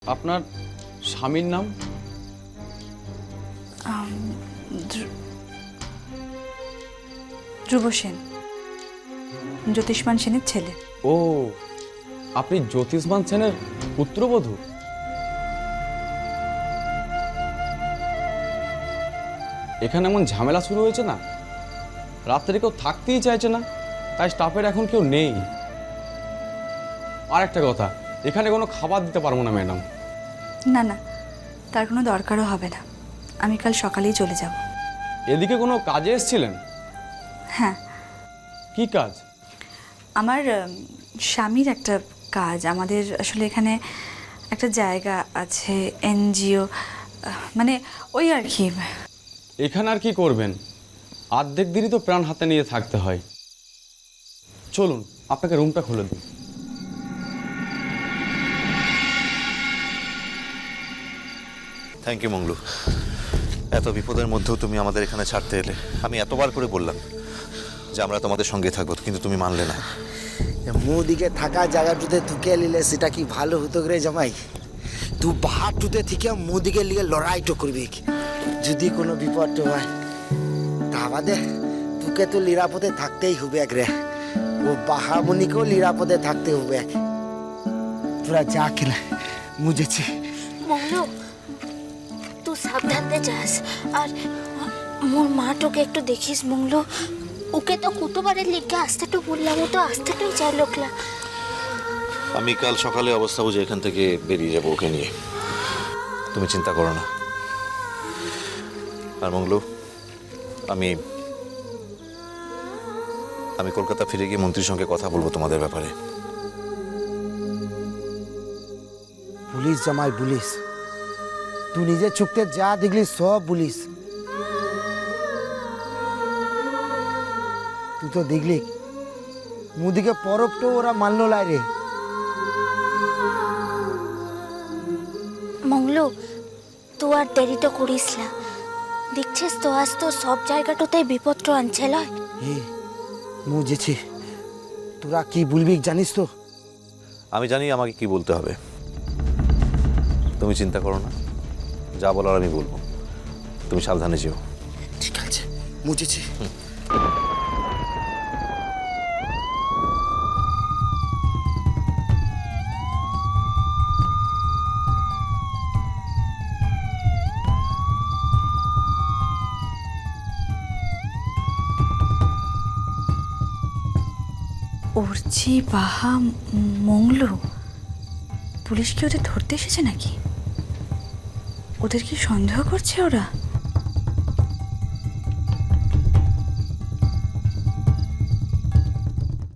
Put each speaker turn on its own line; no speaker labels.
আপনার স্বামীর নাম?
ধ্রুব সেন, জ্যোতিষ্মান সেনের ছেলে।
ও, আপনি জ্যোতিষ্মান সেনের পুত্রবধূ? এখানে এমন ঝামেলা শুরু হয়েছে না, রাত্রে কেউ থাকতেই চাইছে না, তাই স্টাফের এখন কেউ নেই। আর একটা কথা, এখানে কোনো খাবার দিতে পারবো না ম্যাডাম।
না না, তার কোনো দরকারও হবে না, আমি কাল সকালেই চলে যাব।
এদিকে কোনো কাজে এসেছিলেন?
হ্যাঁ,
কি কাজ?
আমার স্বামীর একটা কাজ। আমাদের আসলে এখানে একটা জায়গা আছে, এনজিও, মানে ওই আর কি।
এখানে আর কি করবেন, অর্ধেক দিনই তো প্রাণ হাতে নিয়ে থাকতে হয়। চলুন আপনাকে রুমটা খুলে দিই।
থ্যাংক ইউ মঙ্গলু, এত বিপদের মধ্যেও তুমি আমাদের এখানে ছাড়তে এলে। আমি এতবার করে বললাম যে আমরা তোমাদের সঙ্গে থাকবো, কিন্তু তুমি মানলে না।
মুদিকে থাকা জায়গাটুতে তুকে নিলে সেটা কি ভালো হতো রে জামাই? তুই বাহারটুতে থেকে মুদিকে লিগে লড়াইটো করবি, যদি কোনো বিপদ হয় তা বাদে তোকে তো নিরাপদে থাকতেই হবে রে। ও বাহামণিকেও নিরাপদে থাকতে হবে। তোরা যা খেলে বুঝেছি।
মঙ্গলু, তুই সাবধানে যাস, আর মোর মাটোকে একটু দেখিস মঙ্গলু। ওকে তো কতবারের লিখে আসতেটু বললাম, ও তো আসতেটুই চাই লোকলা।
আমি কাল সকালে অবস্থা বুঝে এখান থেকে বেরিয়ে যাবো ওকে নিয়ে, তুমি চিন্তা করো না। আর মঙ্গলু, আমি কলকাতা ফিরে গিয়ে মন্ত্রীর সঙ্গে কথা বলবো তোমাদের ব্যাপারে।
পুলিশ জামাই পুলিশ, তুই নিজে চুক্তে যা দেখলি সব পুলিশ। তুই তো দেখলি মুদিকে পরবটো ওরা মানলো লাই রে।
মঙ্গলু, তুই আর দেরিটা করিস না। দেখছিস তো আজ তো সব জায়গাটাতেই বিপদটা আনছে লয়।
বুঝেছি, তোরা কি বলবি জানিস তো?
আমি জানি আমাকে কি বলতে হবে, তুমি চিন্তা করো না, যা বলার আমি বলবো। তুমি সাবধানে যেও।
ঠিক আছে, বুঝেছি।
উর্চি, বাহা, মঙ্গলু, পুলিশ কি ওদের ধরতে এসেছে নাকি? ওদের কি সন্দেহ করছে ওরা?